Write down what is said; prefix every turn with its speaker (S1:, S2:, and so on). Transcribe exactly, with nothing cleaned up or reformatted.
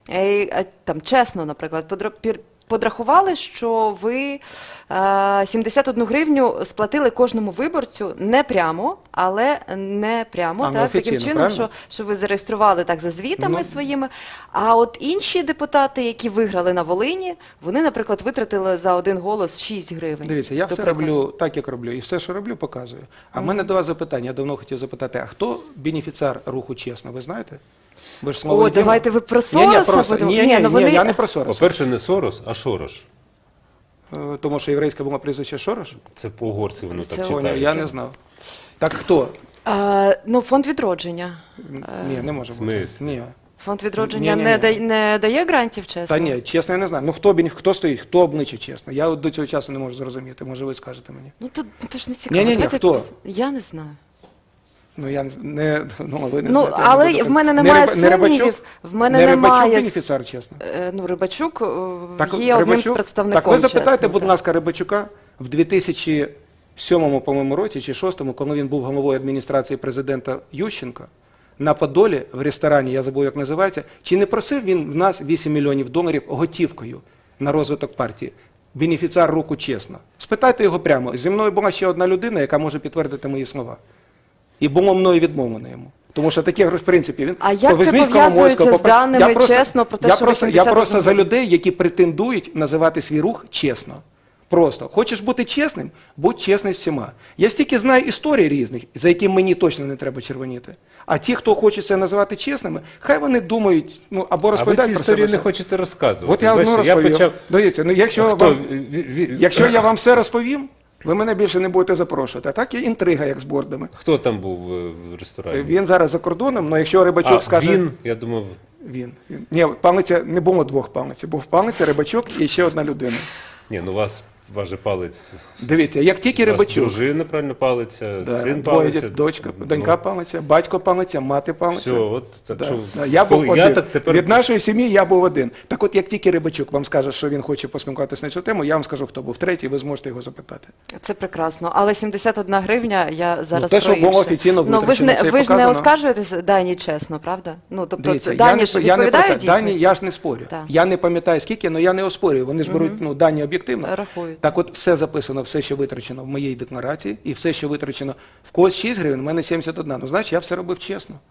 S1: Е, там, чесно, наприклад, подра- подрахували, що ви е, сімдесят одну гривню сплатили кожному виборцю не прямо, але не прямо,
S2: А, ну,
S1: так, таким
S2: офіційно,
S1: чином,
S2: правильно?
S1: що, що ви зареєстрували так за звітами
S2: Ну.
S1: своїми. А от інші депутати, які виграли на Волині, вони, наприклад, витратили за один голос шість гривень.
S2: Дивіться, я
S1: до
S2: все
S1: прикладу.
S2: роблю так, як роблю, і все, що роблю, показую. А в мене до вас запитання, я давно хотів запитати, а хто бенефіціар руху «Чесно», ви знаєте? Ви ж
S1: О,
S2: слово єдине.
S1: давайте ви про
S2: Ні, ні,
S1: Сороса
S2: просто,
S1: будемо?
S2: ні, ні,
S1: ну
S2: ні,
S1: вони...
S2: я не про Сороса.
S3: По-перше, не Сорос, а Шорош.
S2: Е, Тому що єврейське було прізвище Шорош?
S3: Це по-угорці воно
S1: Це
S3: так
S1: Поняв,
S2: Поняв,
S3: читається.
S2: я не знав. Так хто?
S1: А, ну, фонд відродження.
S2: Ні, не може
S3: В
S2: бути.
S3: смислі?
S2: Ні.
S1: Фонд відродження
S2: Ні-ні-ні.
S1: не, дає, не дає грантів, чесно?
S2: Та ні, чесно, я не знаю. Ну хто, бенеф- хто стоїть, хто обличчя, чесно. Я от до цього часу не можу зрозуміти. Може, ви скажете мені.
S1: Ну, то, то ж не цікаво.
S2: Ні-ні-ні,
S1: Давайте
S2: хто?
S1: пос- Я не знаю.
S2: Ну, я не, не, ну, ви не
S1: Ну,
S2: знаєте, я не
S1: але
S2: буду-
S1: в мене
S2: Не
S1: немає
S2: Риба- не Рибачук?
S1: сумнівів. В мене
S2: Не
S1: немає...
S2: Рибачук
S1: с-
S2: бенефіціар, чесно?
S1: Е, Ну, Рибачук е,
S2: Так,
S1: є одним з
S2: Рибачук-
S1: представником,
S2: Так ви запитайте,
S1: чесно,
S2: будь
S1: так.
S2: ласка, Рибачука в дві тисячі сьомому, по-моєму, році чи шостому, коли він був головою адміністрації президента Ющенка, на Подолі, в ресторані, я забув, як називається, чи не просив він в нас вісім мільйонів доларів готівкою на розвиток партії? Бенефіціар руху «Чесно». Спитайте його прямо. Зі мною була ще одна людина, яка може підтвердити мої слова. І було мною відмовлено йому. Тому що таке, в принципі, він...
S1: А як
S2: То
S1: це
S2: візьміть
S1: пов'язується
S2: Коломойського,
S1: з даними
S2: я просто-
S1: «Чесно» про те,
S2: я
S1: що ви
S2: просто, Я
S1: сімдесят
S2: просто за
S1: одну
S2: людей, які претендують називати свій рух «Чесно». Просто. Хочеш бути чесним? Будь чесний з всіма. Я стільки знаю історій різних, за які мені точно не треба червоніти. А ті, хто хоче це називати чесними, хай вони думають, ну, або
S3: А ви
S2: розповідають
S3: ці
S2: про
S3: історії
S2: себе.
S3: не хочете розказувати.
S2: От я одну
S3: Бачите,
S2: розповів.
S3: почав...
S2: Дивіться, ну, якщо,
S3: Хто?
S2: вам,
S3: Ві- ві-
S2: якщо я вам все розповім, ви мене більше не будете запрошувати. А так є інтрига, як з бордами.
S3: Хто там був е, в ресторані?
S2: Він зараз за кордоном, але якщо Рибачук
S3: а,
S2: скаже...
S3: він, я думав,
S2: Він. він. Ні, палиця, не було двох палиць. Був палиця, Рибачук і ще одна людина.
S3: ні, ну у вас, ваш же палець,
S2: Дивіться, як тільки
S3: у вас
S2: Рибачук,
S3: дружина правильно палиця,
S2: да,
S3: син
S2: двоє
S3: палиця.
S2: дітей, дочка,
S3: ну,
S2: донька палиця, батько палиця, мати палиця.
S3: Все, от, так
S2: Да,
S3: що,
S2: да, я був
S3: коли-
S2: один.
S3: я так тепер...
S2: Від нашої сім'ї я був один. Так от, як тільки Рибачук вам скаже, що він хоче поспілкуватися на цю тему, я вам скажу, хто був третій, ви зможете його запитати.
S1: Це прекрасно. Але сімдесят одна гривня, я зараз
S2: те, що
S1: про
S2: було
S1: інше.
S2: офіційно
S1: Ну, ви ж не,
S2: витрачено, це і
S1: ви ж не
S2: показано.
S1: оскаржуєте дані чесно, правда? Ну, тобто,
S2: Дивіться,
S1: це,
S2: я
S1: дані
S2: не,
S1: ж
S2: я не
S1: відповідають
S2: питаю, дані,
S1: дійсності?
S2: я ж не спорю.
S1: Так.
S2: Я не пам'ятаю скільки, але я не оспорюю. Вони ж беруть ну, дані об'єктивно.
S1: Рахують.
S2: Так от все записано, все, що витрачено в моїй декларації, і все, що витрачено в когось шість гривень, в мене сімдесят одна. Ну, значить, я все робив чесно.